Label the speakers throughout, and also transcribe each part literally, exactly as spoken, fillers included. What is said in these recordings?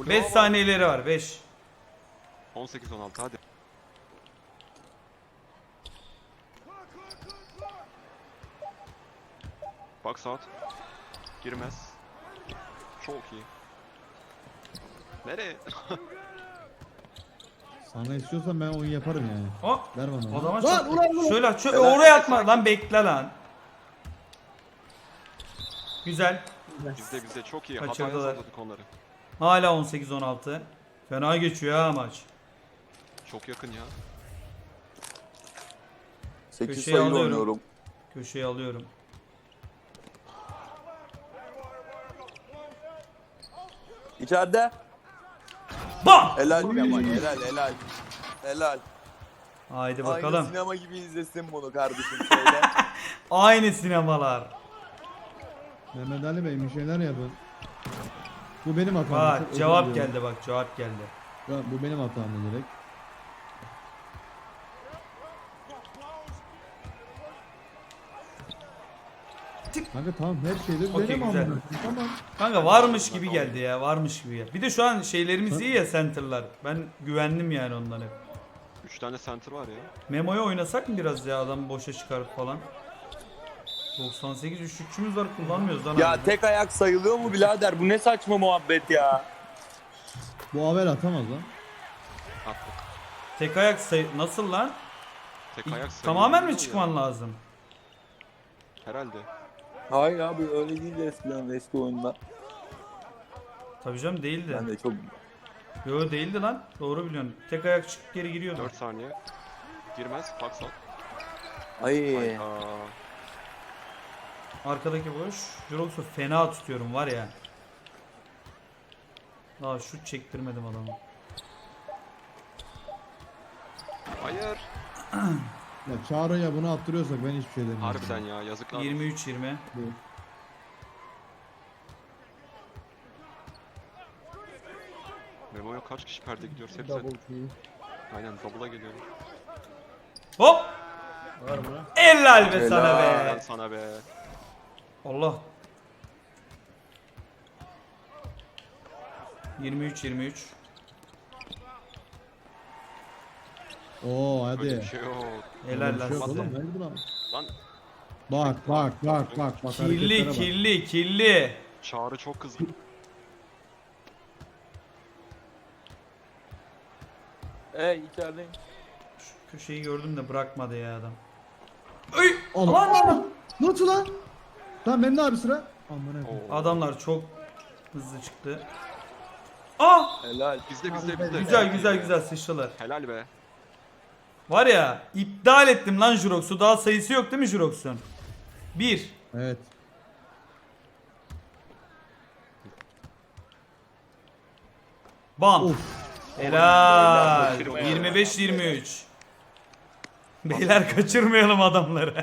Speaker 1: beş saniyeleri var. beş.
Speaker 2: on sekiz on altı hadi. Box out. Girmez. Çok iyi. Nereye?
Speaker 3: Sana istiyorsan ben oyun yaparım yani.
Speaker 1: O.
Speaker 3: Ver bana.
Speaker 1: O zaman
Speaker 3: Lan,
Speaker 1: çok-
Speaker 3: ulan, ulan.
Speaker 1: şöyle aç- şöyle oraya atma lan, bekle lan. Güzel.
Speaker 2: Bizde bizde çok iyi.
Speaker 1: Kaçırdılar.
Speaker 2: Hataya salladık onları.
Speaker 1: Hala on sekiz on altı. Fena geçiyor ha maç.
Speaker 2: Çok yakın ya.
Speaker 4: sekiz
Speaker 1: Köşeye
Speaker 4: sayılı
Speaker 1: alıyorum.
Speaker 4: oynuyorum.
Speaker 1: Köşeye alıyorum.
Speaker 4: İçeride.
Speaker 1: Bam!
Speaker 4: Helal Kemal, helal helal. Helal.
Speaker 1: Haydi
Speaker 4: Aynı
Speaker 1: bakalım.
Speaker 4: sinema gibi izlesin bunu kardeşim söyle.
Speaker 1: Aynı sinemalar.
Speaker 3: Mehmet Ali Bey bir şeyler yapın. Bu benim hatam.
Speaker 1: Bak
Speaker 3: Çok özür
Speaker 1: cevap
Speaker 3: diliyorum.
Speaker 1: geldi, bak cevap geldi.
Speaker 3: Ya, bu benim hatam direkt. Kanka tamam her şeyde
Speaker 1: Okey,
Speaker 3: benim
Speaker 1: güzel.
Speaker 3: amına. Tamam.
Speaker 1: Kanka varmış gibi geldi ya, varmış gibi ya. Bir de şu an şeylerimiz iyi ya, center'lar. Ben güvendim yani ondan hep.
Speaker 2: üç tane center var ya.
Speaker 1: Memo'ya oynasak mı biraz ya, adam boşa çıkarıp falan. doksan sekiz üçlükçümüz var, kullanmıyoruz lan.
Speaker 4: Ya
Speaker 1: abi.
Speaker 4: tek ayak sayılıyor mu birader? Bu ne saçma muhabbet ya.
Speaker 3: Bu haber atamaz lan.
Speaker 2: Attı.
Speaker 1: Tek ayak say... Nasıl lan?
Speaker 2: Tek ayak sayı.
Speaker 1: Tamamen mi
Speaker 2: Ya.
Speaker 1: çıkman lazım?
Speaker 2: Herhalde.
Speaker 4: Hayır abi öyle değil eskiden eski oyunda.
Speaker 1: Tabii canım, değildi.
Speaker 4: Ben de çok...
Speaker 1: Yo, değildi lan. Doğru biliyorsun. Tek ayak çıkıp geri giriyordu.
Speaker 2: dört saniye. Girmez. Box out.
Speaker 4: Ay.
Speaker 2: Aa,
Speaker 1: Arkadaki boş. Jurox'u fena tutuyorum var ya. Daha şut çektirmedim adamı.
Speaker 2: hayır.
Speaker 3: Ya Çağrı'ya bunu attırıyorsak ben hiçbir şey demiyorum.
Speaker 2: Harbiden ya yazıklar.
Speaker 1: yirmi üç yirmi.
Speaker 3: Bu.
Speaker 2: Memo'ya kaç kişi perde gidiyoruz hepsi. Aynen double'a geliyor.
Speaker 1: Hop! Helal be sana
Speaker 2: Helal
Speaker 1: be.
Speaker 2: sana be.
Speaker 1: Allah. yirmi üç yirmi üç.
Speaker 3: Oo
Speaker 2: Öyle bir
Speaker 3: hadi.
Speaker 2: şey yok.
Speaker 1: Helal
Speaker 3: Öyle bir
Speaker 1: lan
Speaker 3: şey yok
Speaker 1: size.
Speaker 3: oğlum, verdi lan.
Speaker 2: Lan
Speaker 3: Bak bak bak bak bak.
Speaker 1: Kirli
Speaker 3: hareketlere bak.
Speaker 1: kirli kirli.
Speaker 2: Çağrı çok kızgın.
Speaker 4: Ey içerideyim.
Speaker 1: Şu köşeyi gördüm de bırakmadı ya adam. Ay!
Speaker 3: Allah.
Speaker 1: Aman aman!
Speaker 3: Nasıl lan? Tamam bende abi sıra. Aman
Speaker 2: Oo.
Speaker 3: efendim.
Speaker 1: Adamlar çok hızlı çıktı. Ah!
Speaker 4: Helal.
Speaker 2: Bizde bizde bizde.
Speaker 1: Güzel güzel güzel sıçralar.
Speaker 2: Helal be.
Speaker 1: Var ya, iptal ettim lan Jurox'u. Daha sayısı yok değil mi Jurox'un? bir.
Speaker 3: Evet.
Speaker 1: Bam.
Speaker 3: Of.
Speaker 1: Helal.
Speaker 2: Kaçırmayalım.
Speaker 1: yirmi beş yirmi üç. Beyler kaçırmayalım adamları.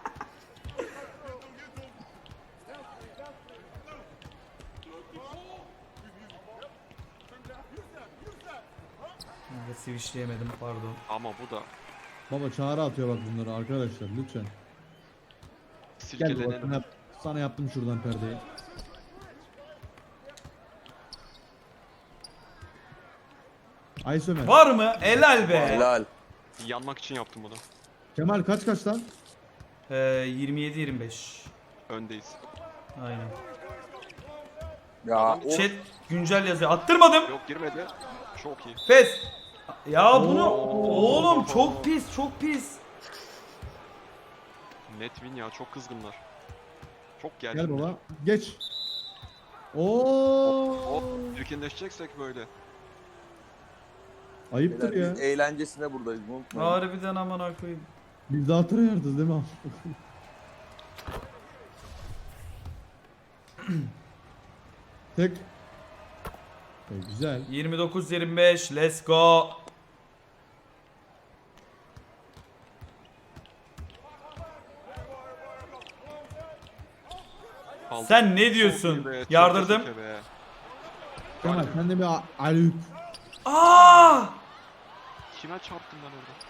Speaker 1: Kanka switchleyemedim, pardon.
Speaker 2: Ama bu da
Speaker 3: Baba Çağrı atıyor bak bunları arkadaşlar lütfen. Gel baba
Speaker 2: silkelenelim.
Speaker 3: sana, yap- sana yaptım şuradan perdeyi. Ay Sömer.
Speaker 1: Var mı? Helal be.
Speaker 4: Helal.
Speaker 2: Yanmak için yaptım bunu.
Speaker 3: Kemal kaç kaç lan?
Speaker 1: Ee, yirmi yedi yirmi beş.
Speaker 2: Öndeyiz.
Speaker 1: Aynen.
Speaker 4: Ya o
Speaker 1: Chat güncel yazıyor. Attırmadım.
Speaker 2: Yok girmedi. Çok iyi.
Speaker 1: Fes. Ya bunu
Speaker 2: Oo.
Speaker 1: oğlum çok pis, çok pis.
Speaker 2: Net win ya çok kızgınlar. Çok geldi.
Speaker 3: Gel baba. Geç. Oo.
Speaker 2: Hop çirkinleşeceksek böyle.
Speaker 3: Ayıptır
Speaker 4: Beyler,
Speaker 3: ya.
Speaker 4: biz eğlencesine buradayız unutmayın.
Speaker 1: Harbiden aman koyayım.
Speaker 3: Biz daha tryhard'ız değil mi? Tek. E, güzel.
Speaker 1: yirmi dokuz yirmi beş, let's go.
Speaker 2: Aldık.
Speaker 1: Sen ne
Speaker 2: Çok
Speaker 1: diyorsun?
Speaker 2: iyi be,
Speaker 1: Yardırdım.
Speaker 2: çeke çeke be.
Speaker 3: Kemal sen de bir a- alüp.
Speaker 1: Aa!
Speaker 2: Kime çarptım ben orada?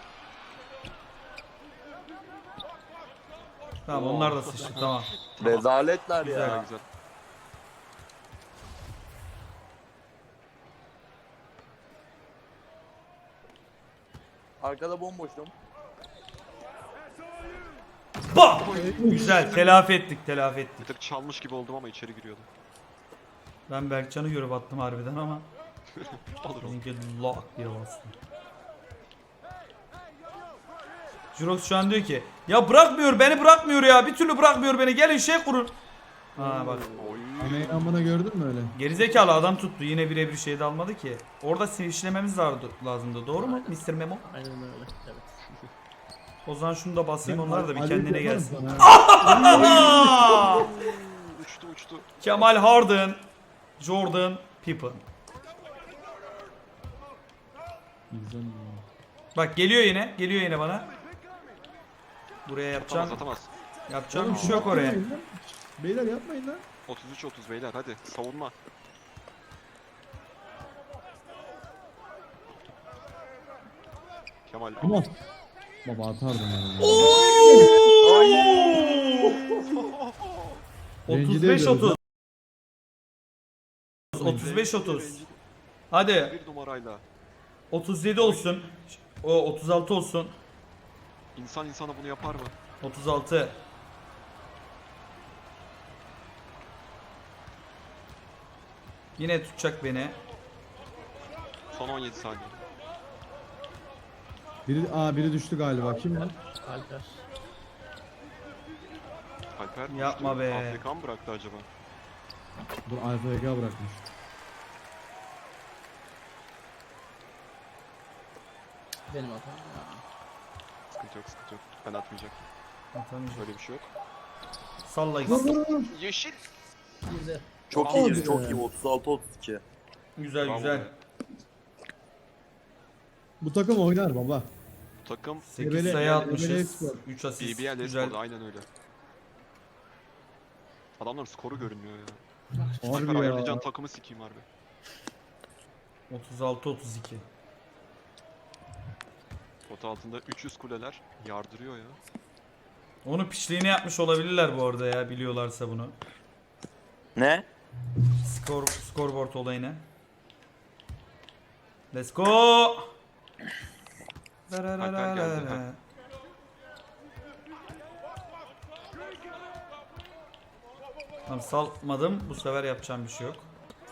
Speaker 1: Tamam, onlar da sıçtı, tamam.
Speaker 4: Rezaletler
Speaker 1: Güzel.
Speaker 4: ya.
Speaker 2: Güzel güzel.
Speaker 4: Arkada bomboşum.
Speaker 1: Bak! Güzel, telafi ettik, telafi
Speaker 2: Bir
Speaker 1: ettik.
Speaker 2: tık çalmış gibi oldum ama içeri giriyordum.
Speaker 1: Ben Berkcan'ı görüp attım harbiden ama
Speaker 2: Olur oğlum.
Speaker 1: bizimki lock diye bastı. Jurox şu an diyor ki ya bırakmıyor beni bırakmıyor ya bir türlü bırakmıyor beni gelin şey kurun. Ha bak
Speaker 2: Oy.
Speaker 3: Emeğin amına gördün mü öyle?
Speaker 1: gerizekalı adam tuttu yine birebir şey de almadı ki. Orada sinirlememiz lazımdı doğru mu mister Memo?
Speaker 5: Aynen öyle. Evet.
Speaker 1: O zaman şunu da basayım onlar da bir
Speaker 3: Ali
Speaker 1: kendine
Speaker 3: yaparım
Speaker 1: gelsin.
Speaker 3: sana.
Speaker 1: Aa!
Speaker 2: Uçtu uçtu.
Speaker 1: Kemal Harden, Jordan Pippen.
Speaker 3: Güzel.
Speaker 1: Bak geliyor yine, geliyor yine bana. Buraya yapacağım,
Speaker 2: Atamaz atamaz.
Speaker 1: yapacağım bir şey yok oraya.
Speaker 3: Yapmayın lan. Beyler yapmayın lan.
Speaker 2: otuz üç otuz beyler hadi savunma. Kemal.
Speaker 3: Ama baba atardım yani.
Speaker 1: otuz
Speaker 3: Rencide
Speaker 1: beş
Speaker 3: ediyoruz
Speaker 1: otuz. otuz beş otuz. Hadi
Speaker 2: Bir numarayla.
Speaker 1: otuz yedi olsun. O otuz altı olsun.
Speaker 2: İnsan insana bunu yapar mı?
Speaker 1: otuz altı. Yine tutacak beni.
Speaker 2: Son on yedi saniye.
Speaker 3: Biri, aa biri düştü galiba. Kim lan?
Speaker 5: Alper.
Speaker 2: Alper
Speaker 1: Yapma
Speaker 2: uçtu.
Speaker 1: be.
Speaker 2: Afrika mı bıraktı acaba?
Speaker 3: Dur Alfa Ega bırakmış.
Speaker 5: Benim hatam. Ya.
Speaker 2: Sıkıntı yok sıkıntı yok. Ben atmayacak.
Speaker 1: Atamayacak.
Speaker 2: Böyle bir şey yok.
Speaker 1: Salla
Speaker 3: Vur
Speaker 1: gitsin.
Speaker 3: vur vur.
Speaker 2: Yeşil.
Speaker 5: Güzel.
Speaker 4: Çok
Speaker 2: Bravo
Speaker 4: iyiyiz
Speaker 3: be.
Speaker 4: çok iyi. otuz altı otuz iki.
Speaker 1: Güzel
Speaker 2: Bravo
Speaker 1: güzel.
Speaker 2: be.
Speaker 3: Bu takım oynar baba.
Speaker 2: Bu takım
Speaker 1: sekiz
Speaker 3: Ebele-
Speaker 1: sayı
Speaker 3: Ebele
Speaker 1: atmışız.
Speaker 3: skor.
Speaker 1: üç asist.
Speaker 2: B B L
Speaker 1: Güzel.
Speaker 2: Espor'da aynen öyle. Adamların skoru görünmüyor ya.
Speaker 3: Harbi
Speaker 2: Alper
Speaker 3: ya.
Speaker 2: ayarlayacağın takımı sikeyim harbi.
Speaker 1: otuz altı otuz iki.
Speaker 2: Pot altında üç yüz kuleler yardırıyor ya.
Speaker 1: Onu piçliğine yapmış olabilirler bu arada ya biliyorlarsa bunu.
Speaker 4: Ne?
Speaker 1: Skor scoreboard olayını. Let's go.
Speaker 2: Alper geldi, ha.
Speaker 1: Tamam salmadım. Bu sefer yapacağım bir şey yok.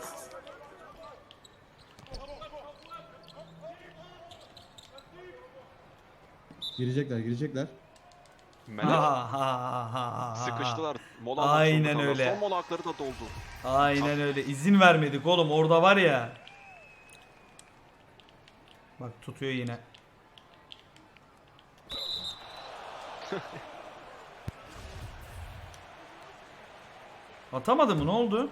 Speaker 3: Girecekler girecekler.
Speaker 2: Melek
Speaker 1: Ha, ha, ha, ha, ha.
Speaker 2: sıkıştılar. Mola almak
Speaker 1: Aynen
Speaker 2: zorunda kaldılar.
Speaker 1: öyle.
Speaker 2: Son mola hakları da doldu.
Speaker 1: Aynen öyle. İzin vermedik oğlum. Orada var ya. Bak tutuyor yine. Atamadı mı? Ne oldu?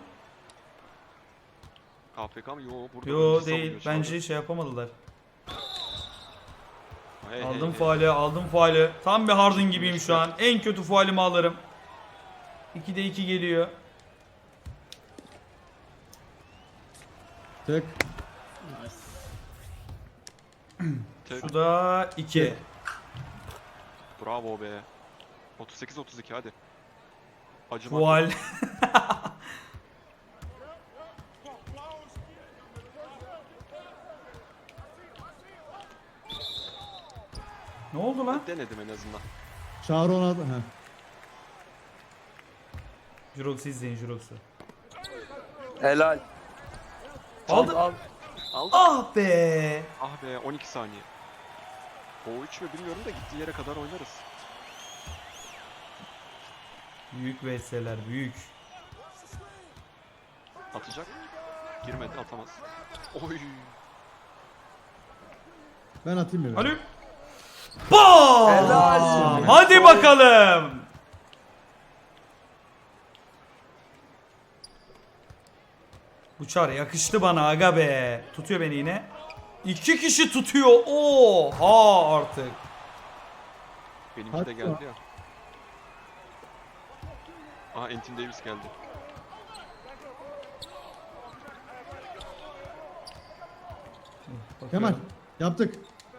Speaker 2: A F K mı? Yo burada
Speaker 1: Yo
Speaker 2: önce
Speaker 1: değil.
Speaker 2: savunuyor şu anda.
Speaker 1: Bence şey yapamadılar.
Speaker 2: Hey, hey,
Speaker 1: Aldım
Speaker 2: hey.
Speaker 1: faali, aldım faali. Tam bir Harden gibiyim şu an. En kötü faalimi alırım. ikide iki geliyor.
Speaker 3: Tek.
Speaker 5: Nice.
Speaker 2: Tek-
Speaker 1: Şu da iki.
Speaker 2: Bravo be. otuz sekiz otuz iki hadi. Acımak.
Speaker 1: Faal. Ne oldu lan?
Speaker 2: Denedim en azından.
Speaker 3: Çağrı ona. Heh.
Speaker 1: Jurox'u izleyin Jurox'u.
Speaker 4: Helal.
Speaker 1: Aldı.
Speaker 4: Al.
Speaker 2: Aldı.
Speaker 1: Ah be.
Speaker 2: Ah be on iki saniye. O üç mü bilmiyorum da gittiği yere kadar oynarız.
Speaker 1: Büyük V S'ler büyük.
Speaker 2: Atacak. Girmedi atamaz. Oy.
Speaker 3: Ben atayım mı?
Speaker 1: Alo. Bam!
Speaker 4: Helal.
Speaker 1: Hadi bakalım. Bu çar yakıştı bana aga be. Tutuyor beni yine. İki kişi tutuyor. Oha artık.
Speaker 2: Benimki
Speaker 3: Hadi
Speaker 2: de geldi ya. Aha Anthony Davis geldi.
Speaker 3: Kemal yaptık.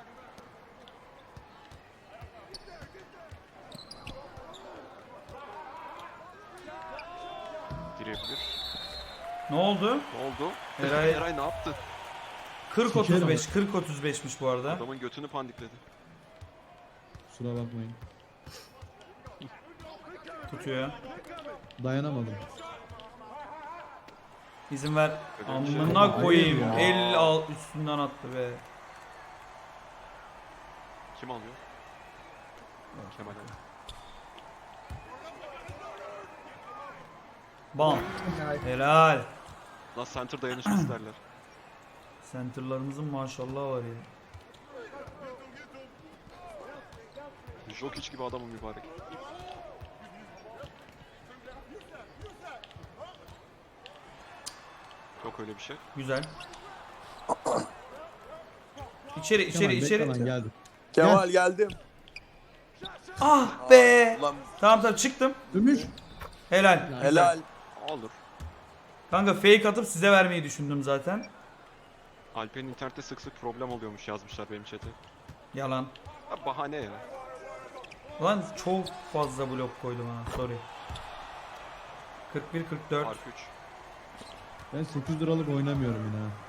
Speaker 2: Girebilir.
Speaker 1: Ne oldu?
Speaker 2: Ne oldu?
Speaker 1: Eray-
Speaker 2: Eray ne yaptı?
Speaker 1: kırk otuz beş. kırk otuz beşmiş bu arada.
Speaker 2: Adamın götünü pandikledi.
Speaker 3: Kusura bakmayın.
Speaker 1: Tutuyor.
Speaker 3: Dayanamadım.
Speaker 1: İzin ver.
Speaker 2: Öyle bir şey
Speaker 1: Amına
Speaker 3: yok.
Speaker 1: koyayım.
Speaker 3: Hayır ya.
Speaker 1: El al üstünden attı be.
Speaker 2: Kim alıyor? Kemal alıyor.
Speaker 1: Bam.
Speaker 5: Helal.
Speaker 1: Helal.
Speaker 2: Lan center dayanışması derler.
Speaker 1: Center'larımızın maşallah var ya.
Speaker 2: Jokic gibi adamım mübarek. Yok öyle bir şey.
Speaker 1: Güzel. İçeri
Speaker 3: Kemal,
Speaker 1: içeri
Speaker 3: bekle
Speaker 1: içeri.
Speaker 3: lan, geldik.
Speaker 4: Kemal geldim.
Speaker 1: Ah be.
Speaker 4: Ulan
Speaker 1: Tamam tamam çıktım.
Speaker 3: Gümüş.
Speaker 1: Helal.
Speaker 4: helal.
Speaker 2: Olur.
Speaker 1: Kanka fake atıp size vermeyi düşündüm zaten.
Speaker 2: Alper'in internette sık sık problem oluyormuş yazmışlar benim chat'e.
Speaker 1: Yalan.
Speaker 2: Ha, bahane ya.
Speaker 1: Lan çok fazla blok koydum ha. Sorry. kırk bir kırk dört.
Speaker 2: Fark üç.
Speaker 3: Ben sekiz liralık oynamıyorum yine. ha.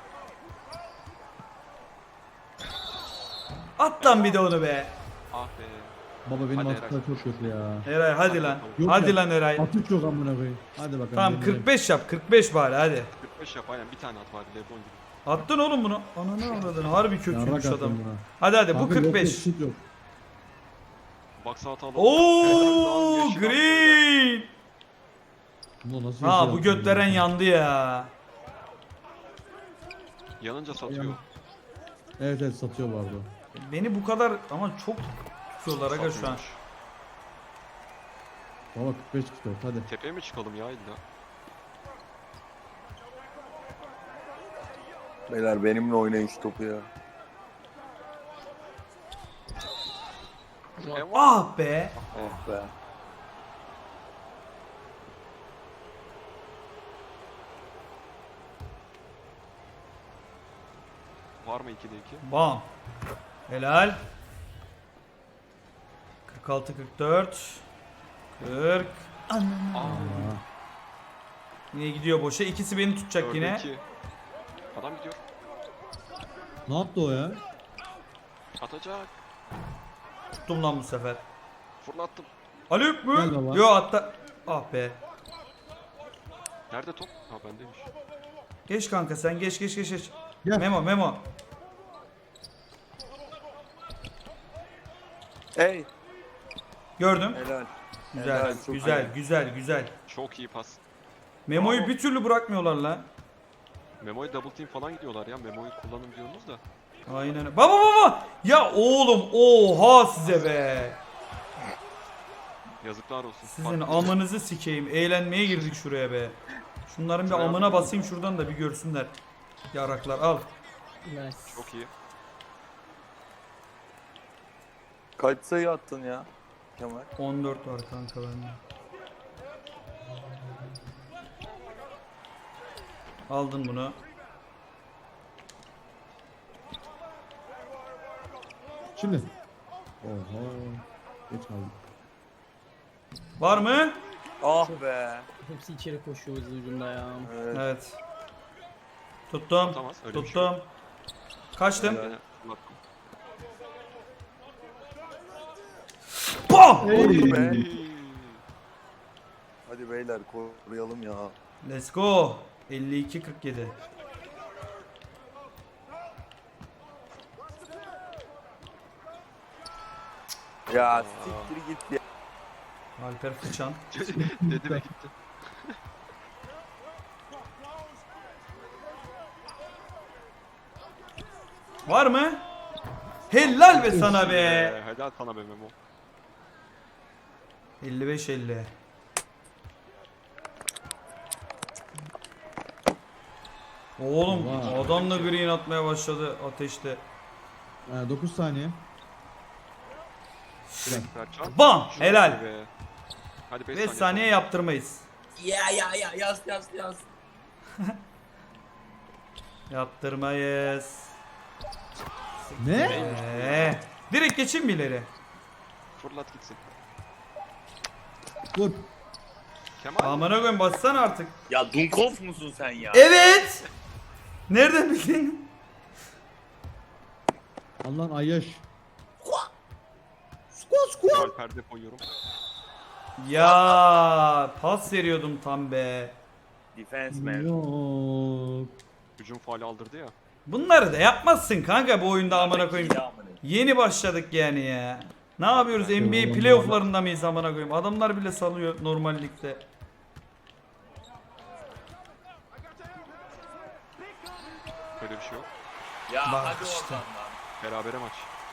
Speaker 1: At lan bir de onu be.
Speaker 2: Ah be.
Speaker 3: Baba benim
Speaker 2: Hadi
Speaker 3: atışlar çok kötü ya.
Speaker 1: Eray hadi lan.
Speaker 3: Yok
Speaker 1: Hadi
Speaker 3: ya.
Speaker 1: lan Eray.
Speaker 3: Atış yok amına koyayım. Hadi bakalım.
Speaker 1: Tamam
Speaker 3: benim
Speaker 1: kırk beş yap. kırk beş bari hadi.
Speaker 2: kırk beş yap aynen bir tane at bari Lebron gibi.
Speaker 1: Attın oğlum bunu. Ananı avradın. Harbi
Speaker 3: Yarrak
Speaker 1: kötüymüş
Speaker 3: attım
Speaker 1: adam.
Speaker 3: buna.
Speaker 1: Hadi hadi bu
Speaker 3: Kanka, yok,
Speaker 1: kırk beş.
Speaker 3: yok, şut yok.
Speaker 2: Baksa atalım.
Speaker 1: Oo green.
Speaker 3: Bunda nasıl
Speaker 1: Ha
Speaker 3: yeşil
Speaker 1: bu
Speaker 3: attın
Speaker 1: götleren
Speaker 3: ya?
Speaker 1: yandı ya.
Speaker 2: Yanınca satıyor.
Speaker 3: Yan- Evet evet satıyor bu arada.
Speaker 1: Beni bu kadar ama çok tutuyorlar aga şu an.
Speaker 2: Satmıyormuş.
Speaker 3: Baba kırk beş kırk dört hadi.
Speaker 2: Tepeye mi çıkalım ya illa?
Speaker 4: Beyler benimle oynayın şu topu ya.
Speaker 1: Ah be.
Speaker 4: Oh be.
Speaker 2: Var mı ikide iki?
Speaker 1: Bam. Helal. kırk altı kırk dört. kırk.
Speaker 2: Aa,
Speaker 1: Yine gidiyor boşa. İkisi beni tutacak
Speaker 2: dörde
Speaker 1: yine.
Speaker 2: iki. Adam gidiyor.
Speaker 3: Ne yaptı o ya?
Speaker 2: Atacak.
Speaker 1: Tuttum lan bu sefer.
Speaker 2: Fırlattım.
Speaker 1: Alüp mü?
Speaker 3: Gel baba.
Speaker 1: Yo hatta. Ah be.
Speaker 2: Nerede top? Ha bendeymiş.
Speaker 1: Geç kanka sen geç geç geç geç.
Speaker 3: Gel.
Speaker 1: Memo Memo.
Speaker 4: Hey.
Speaker 1: Gördüm.
Speaker 4: Helal.
Speaker 1: Güzel
Speaker 4: Helal, çok
Speaker 1: güzel
Speaker 4: iyi.
Speaker 1: güzel güzel.
Speaker 2: Çok iyi pas.
Speaker 1: Memo'yu
Speaker 2: Bravo.
Speaker 1: bir türlü bırakmıyorlar la.
Speaker 2: Memo'ya double team falan gidiyorlar ya. Memo'yu kullanın diyorsunuz da.
Speaker 1: Aynen öyle. Baba baba. Ya oğlum oha size be.
Speaker 2: Yazıklar olsun.
Speaker 1: Sizin
Speaker 2: Bak,
Speaker 1: amınızı sikeyim. Eğlenmeye girdik şuraya be. Şunların bir
Speaker 2: Şuraya
Speaker 1: amına
Speaker 2: bakayım.
Speaker 1: basayım şuradan da bir görsünler. Yaraklar al.
Speaker 5: Nice.
Speaker 2: Çok iyi.
Speaker 4: Kaç sayı attın ya Kemal?
Speaker 1: on dört var kanka bende. Aldın bunu.
Speaker 3: Şimdi. Oha. Geç kaldık.
Speaker 1: Var mı?
Speaker 4: Ah be.
Speaker 5: Hepsi içeri koşuyor hızlı ucunda ya.
Speaker 4: Evet.
Speaker 1: Evet. Tuttum.
Speaker 2: Tutamaz, öyle bir şey
Speaker 1: Tuttum. Kaçtım.
Speaker 4: Helal.
Speaker 2: Aynen, fırlattım.
Speaker 1: Bam!
Speaker 4: Oldu be.
Speaker 2: İyi.
Speaker 4: Hadi beyler koruyalım ya.
Speaker 1: Let's go. elli iki kırk yedi.
Speaker 4: Ya siktir git ya.
Speaker 1: Alper Fıçan.
Speaker 2: Dedi ve gitti.
Speaker 1: Var mı? Helal be sana be.
Speaker 2: Ee, helal sana be Memo.
Speaker 1: elli beş elli. Oğlum
Speaker 3: Vay.
Speaker 1: adam da green atmaya başladı ateşte.
Speaker 3: Ee, dokuz saniye.
Speaker 2: Berkcan.
Speaker 1: Bam!
Speaker 2: Şunu
Speaker 1: Helal.
Speaker 2: atıyor be. Hadi beş
Speaker 1: beş
Speaker 2: saniye.
Speaker 1: saniye
Speaker 2: sonra.
Speaker 1: yaptırmayız.
Speaker 5: Ya ya ya yaz yaz yaz.
Speaker 1: Yaptırmayız.
Speaker 3: Ne?
Speaker 1: Ee, direkt geçeyim mi ileri?
Speaker 2: Fırlat gitsin.
Speaker 3: Vur.
Speaker 2: Kemal.
Speaker 1: Amına koyayım bassana artık.
Speaker 4: Ya Dunkov musun sen ya?
Speaker 1: Evet. Nereden bildin?
Speaker 3: Allah'ın ayyaş.
Speaker 2: Faul perde koyuyorum.
Speaker 1: Ya pas veriyordum tam be.
Speaker 4: Defense man.
Speaker 3: Yok.
Speaker 2: Hücum faali aldırdı ya.
Speaker 1: Bunları da yapmazsın kanka bu oyunda amına koyayım.
Speaker 4: Ya amına.
Speaker 1: Yeni başladık yani ya. Ne yapıyoruz? N B A playoff'larında mıyız amına koyayım? Adamlar bile salıyor normal ligde.
Speaker 2: Böyle bir şey yok.
Speaker 4: Ya
Speaker 1: Bak
Speaker 4: hadi
Speaker 1: işte.
Speaker 4: oradan lan.
Speaker 2: Berabere maç.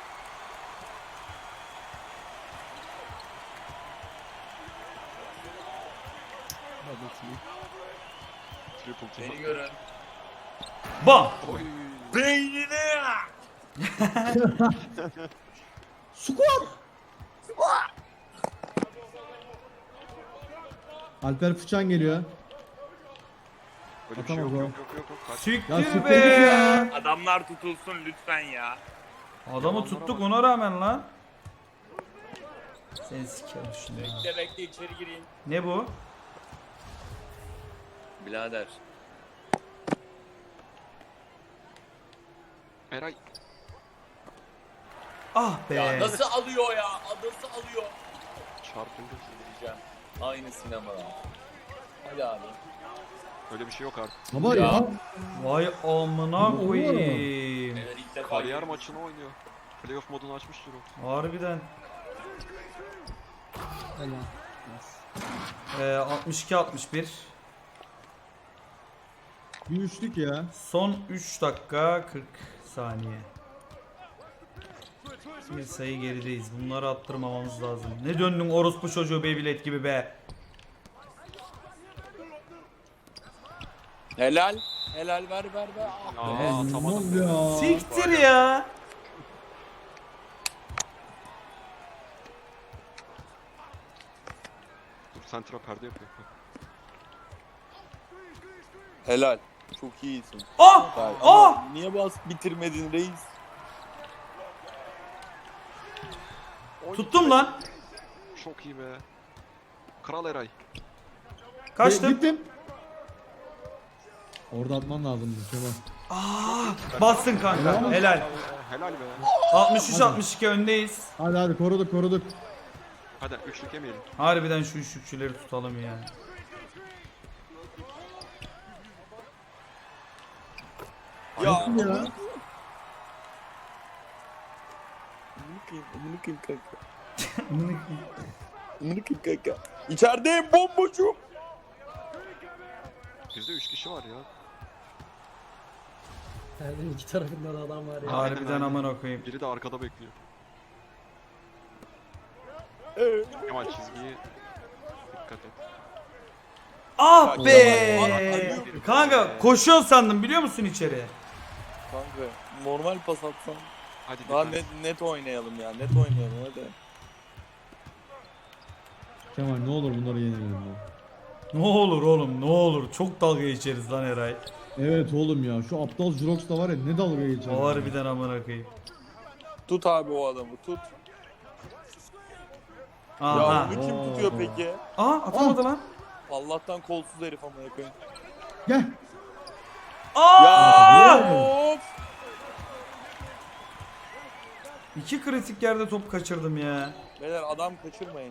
Speaker 2: Triple team.
Speaker 4: Beni görün.
Speaker 1: Bam!
Speaker 2: Oy.
Speaker 4: Beynine ya.
Speaker 3: Alper Fıçan geliyor.
Speaker 2: Böyle bir şey yok
Speaker 3: Atamaz
Speaker 2: yok yok yok. yok. Kaç.
Speaker 1: Siktir
Speaker 3: Ya siktir
Speaker 1: be!
Speaker 3: git ya.
Speaker 4: Adamlar tutulsun lütfen ya.
Speaker 1: Adamı tuttuk ona rağmen lan. Seni sikerim şimdi. ya.
Speaker 4: Bekle bekle içeri gireyim.
Speaker 1: Ne bu?
Speaker 4: Birader.
Speaker 2: Eray.
Speaker 1: Ah be.
Speaker 4: Ya nasıl alıyor ya? Nasıl alıyor?
Speaker 2: Çarpıldı.
Speaker 4: Diyeceğim. Aynı sinemada. Hadi abi.
Speaker 2: Öyle bir şey yok artık.
Speaker 3: Baba
Speaker 4: Ya.
Speaker 3: ya.
Speaker 1: Vay amına koyayım.
Speaker 4: Beyler ilk defa
Speaker 2: Kariyer
Speaker 4: görüyorum.
Speaker 2: maçını oynuyor. Playoff modunu açmıştır o.
Speaker 1: Harbiden.
Speaker 5: Helal.
Speaker 1: Ee, altmış iki altmış bir.
Speaker 3: Bir üçlük ya.
Speaker 1: Son üç dakika kırk saniye. Bir sayı gerideyiz. Bunları attırmamamız lazım. Ne döndün orospu çocuğu Beyblade gibi be.
Speaker 4: Helal. Helal ver ver ver. Ah
Speaker 2: Aa,
Speaker 4: be.
Speaker 2: atamadım.
Speaker 3: ya.
Speaker 1: Siktir ya.
Speaker 2: Dur sentra perde yapıyor.
Speaker 4: Helal. Çok iyisin.
Speaker 1: Ah!
Speaker 4: Vay,
Speaker 1: Ah!
Speaker 4: ama niye bas bitirmedin reis?
Speaker 1: Tuttum lan.
Speaker 2: Çok iyi be. Kral Eray.
Speaker 1: Kaçtım.
Speaker 3: Gittim. Orada atman lazımdı Kemal.
Speaker 1: Bastın kanka. Helal.
Speaker 2: Helal be.
Speaker 1: altmış üç altmış iki öndeyiz.
Speaker 3: Hadi hadi koruduk koruduk.
Speaker 2: Hadi üçlük yemeyelim.
Speaker 1: Harbiden şu üçlükçüleri tutalım ya.
Speaker 4: Ya.
Speaker 3: ya.
Speaker 4: Amına koyayım, amına koyayım kanka. Amına koyayım kanka. İçerideyim bomboşum.
Speaker 2: Bizde üç kişi var ya.
Speaker 5: Perdenin iki tarafında da adam var ya.
Speaker 1: Harbiden
Speaker 2: aynen.
Speaker 1: amına koyayım.
Speaker 2: Biri de arkada bekliyor.
Speaker 4: Evet.
Speaker 2: Kemal çizgiyi dikkat et.
Speaker 1: Ah
Speaker 4: Ya,
Speaker 1: be!
Speaker 4: Kemal,
Speaker 1: Kanka koşuyorsun sandım biliyor musun içeri?
Speaker 4: Kanka normal pas atsan.
Speaker 2: Hadi
Speaker 4: Daha
Speaker 2: dikkat.
Speaker 4: net, net oynayalım ya. Net oynayalım hadi.
Speaker 3: Kemal ne olur bunları yenelim ya.
Speaker 1: Ne olur oğlum ne olur. Çok dalga geçeriz lan Eray.
Speaker 3: Evet oğlum ya şu aptal Jurox da var ya ne dalga geçer.
Speaker 1: Harbiden amına koyayım.
Speaker 4: Tut abi o adamı tut. Ya
Speaker 1: Aha.
Speaker 4: onu kim
Speaker 3: Oo.
Speaker 4: tutuyor peki?
Speaker 1: Aa atamadı lan.
Speaker 4: Allah'tan kolsuz herif amına koyayım.
Speaker 3: Gel.
Speaker 1: Aa!
Speaker 4: Of!
Speaker 1: İki kritik yerde top kaçırdım ya.
Speaker 4: Beyler adam kaçırmayın.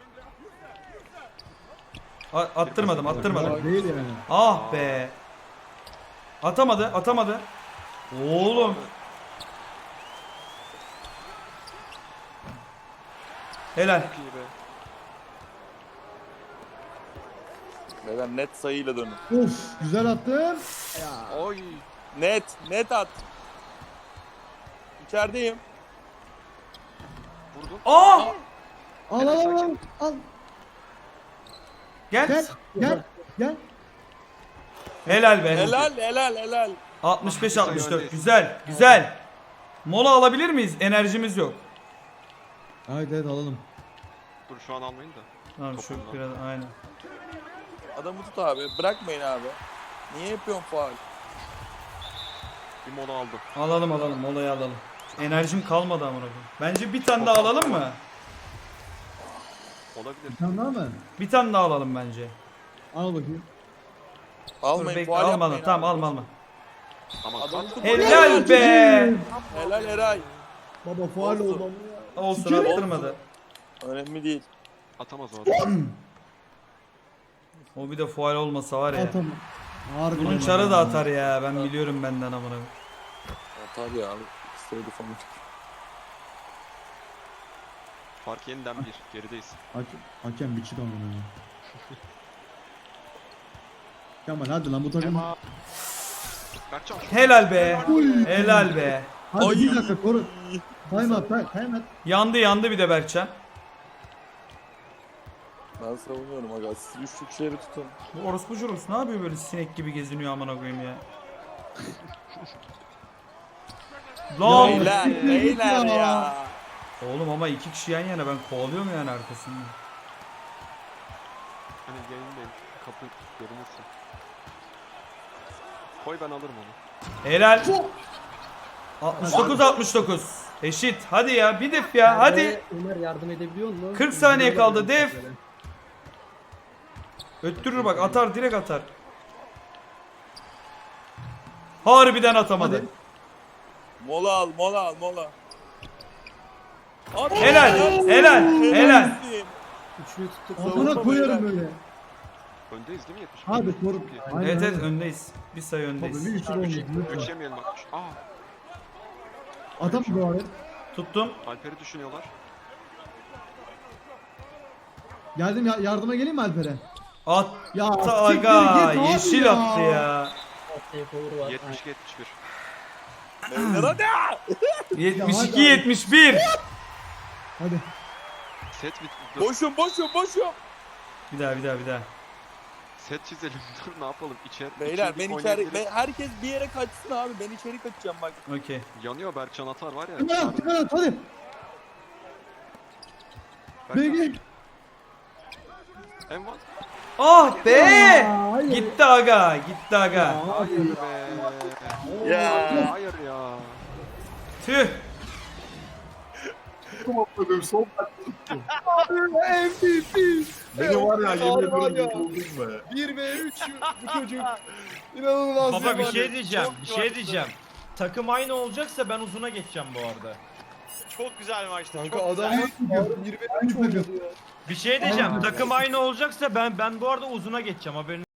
Speaker 1: A- attırmadım attırmadım.
Speaker 3: Ya değil yani.
Speaker 1: Ah be. Atamadı atamadı. Oğlum. Helal.
Speaker 2: Çok iyi be.
Speaker 4: Beyler net sayıyla dönün.
Speaker 3: Of güzel attın.
Speaker 2: Oy.
Speaker 4: Net, net at. İçerideyim.
Speaker 2: Vurdun.
Speaker 1: Aa!
Speaker 3: Al al al al. al.
Speaker 1: Gel.
Speaker 3: Gel gel gel.
Speaker 1: Helal be.
Speaker 4: Helal, helal, helal.
Speaker 1: altmış beş altmış dört. Güzel. Güzel. Mola alabilir miyiz? Enerjimiz yok.
Speaker 3: Evet evet alalım.
Speaker 2: Dur şu an almayın da.
Speaker 1: Tamam şu
Speaker 2: Topundan.
Speaker 1: biraz aynen.
Speaker 4: Adamı tut abi. Bırakmayın abi. Niye yapıyorsun faul?
Speaker 2: Bir mola aldı.
Speaker 1: Alalım alalım molayı alalım. Enerjim kalmadı amına koyayım. Bence bir tane daha alalım mı?
Speaker 2: Olabilir.
Speaker 3: Bir tane daha mı?
Speaker 1: Bir tane daha alalım bence.
Speaker 3: Al bakayım.
Speaker 1: Dur
Speaker 4: Almayın,
Speaker 1: bekle
Speaker 4: faul
Speaker 1: alma
Speaker 4: yapmayın
Speaker 1: tamam
Speaker 4: abi.
Speaker 1: alma alma.
Speaker 2: Ama
Speaker 4: Adamı
Speaker 2: kat.
Speaker 4: tut.
Speaker 1: Helal be.
Speaker 4: Helal Eray.
Speaker 3: Baba faal
Speaker 4: Olsun.
Speaker 3: oldu ama ya.
Speaker 1: Olsun
Speaker 3: Sikerim.
Speaker 1: attırmadı.
Speaker 4: Önemli değil.
Speaker 2: Atamaz o adam.
Speaker 1: O bir de faul olmasa var ya.
Speaker 3: Atam. Harbi.
Speaker 1: Bunun çarı da atar ya. Ben biliyorum benden amına.
Speaker 4: Atar ya abi. İstedi falan.
Speaker 2: Fark yeniden bir. Gerideyiz.
Speaker 3: Hakem, hakem biçi de onu. Kemal hadi lan bu takım.
Speaker 2: Ema. Berkcan.
Speaker 1: Helal be. Helal be.
Speaker 3: Hadi
Speaker 4: Ay.
Speaker 3: bir dakika koru. Time out, time time out.
Speaker 1: Yandı yandı bir de Berkcan.
Speaker 4: Ben savunuyorum aga. Siz üçlükleri tutun.
Speaker 1: Bu orospu jurus ne yapıyor böyle sinek gibi geziniyor amına koyayım ya. Lan.
Speaker 4: Beyler, beyler ya.
Speaker 1: Oğlum ama iki kişi yan yana ben kovalıyorum yani arkasında.
Speaker 2: Hani yayındayım. Kapı görünürse. Koy ben alırım onu.
Speaker 1: Helal. altmış dokuz altmış dokuz. Eşit. Hadi ya bir def ya hadi.
Speaker 5: Ömer yardım edebiliyor mu?
Speaker 1: kırk saniye kaldı, def. Öttürür bak atar direkt atar. Harbiden atamadı.
Speaker 3: Hadi.
Speaker 4: Mola al, mola al, mola. Abi,
Speaker 1: Helal, helal, helal.
Speaker 5: Üçlüyü tuttuk.
Speaker 3: Amına
Speaker 4: Savunma
Speaker 3: koyarım
Speaker 4: beyler.
Speaker 3: böyle.
Speaker 2: Öndeyiz değil mi yetmiş?
Speaker 3: Hadi koru.
Speaker 2: Çok iyi.
Speaker 3: Aynen,
Speaker 1: Evet evet
Speaker 3: aynen.
Speaker 1: öndeyiz. Bir sayı
Speaker 3: Tabii bir
Speaker 1: öndeyiz.
Speaker 3: üçlü olmuş. lütfen.
Speaker 2: Üç yemeyelim bak. Aa.
Speaker 3: Atam bu abi.
Speaker 1: Tuttum.
Speaker 2: Alper'i düşünüyorlar.
Speaker 3: Geldim ya, yardıma geleyim mi Alper'e?
Speaker 1: Attı
Speaker 3: Ya
Speaker 1: aga.
Speaker 3: siktir git abi
Speaker 1: Yeşil
Speaker 3: ya.
Speaker 1: attı ya.
Speaker 5: Takeover var.
Speaker 2: yetmiş yetmiş bir.
Speaker 4: Beyler hadi.
Speaker 1: yetmiş iki yetmiş bir.
Speaker 3: Hadi.
Speaker 2: Set bit. Dur.
Speaker 4: Boşum, boşum, boşum.
Speaker 1: Bir daha bir daha bir daha.
Speaker 2: Set çizelim. Dur ne yapalım? İçer.
Speaker 4: Beyler
Speaker 2: içeri
Speaker 4: ben içeri,
Speaker 2: oynayabiliriz.
Speaker 4: ben, herkes bir yere kaçsın abi. Ben içeri kaçacağım bak.
Speaker 1: Okey.
Speaker 2: Yanıyor Berkcan atar var ya.
Speaker 3: Tıkar at tıkar at hadi.
Speaker 2: Berkcan.
Speaker 3: Begi.
Speaker 2: Envan.
Speaker 1: Ah be.
Speaker 3: Ya, hayır.
Speaker 1: Gitti aga. Gitti aga.
Speaker 2: Hayır be.
Speaker 4: Ya.
Speaker 2: Hayır ya.
Speaker 1: Tüh.
Speaker 3: M V P.
Speaker 6: Beni var ya yemin ediyorum yıkıldın be.
Speaker 4: bir ve üç bu çocuk. İnanılmaz.
Speaker 7: Baba bir şey diyeceğim, bir şey diyeceğim. Takım aynı olacaksa ben uzuna geçeceğim bu arada.
Speaker 8: Çok güzel maçtı.
Speaker 4: Kanka
Speaker 8: çok
Speaker 4: adam bir ve üç oynadı ya.
Speaker 7: Bir şey diyeceğim, takım aynı olacaksa ben ben bu arada uzuna geçeceğim haberin.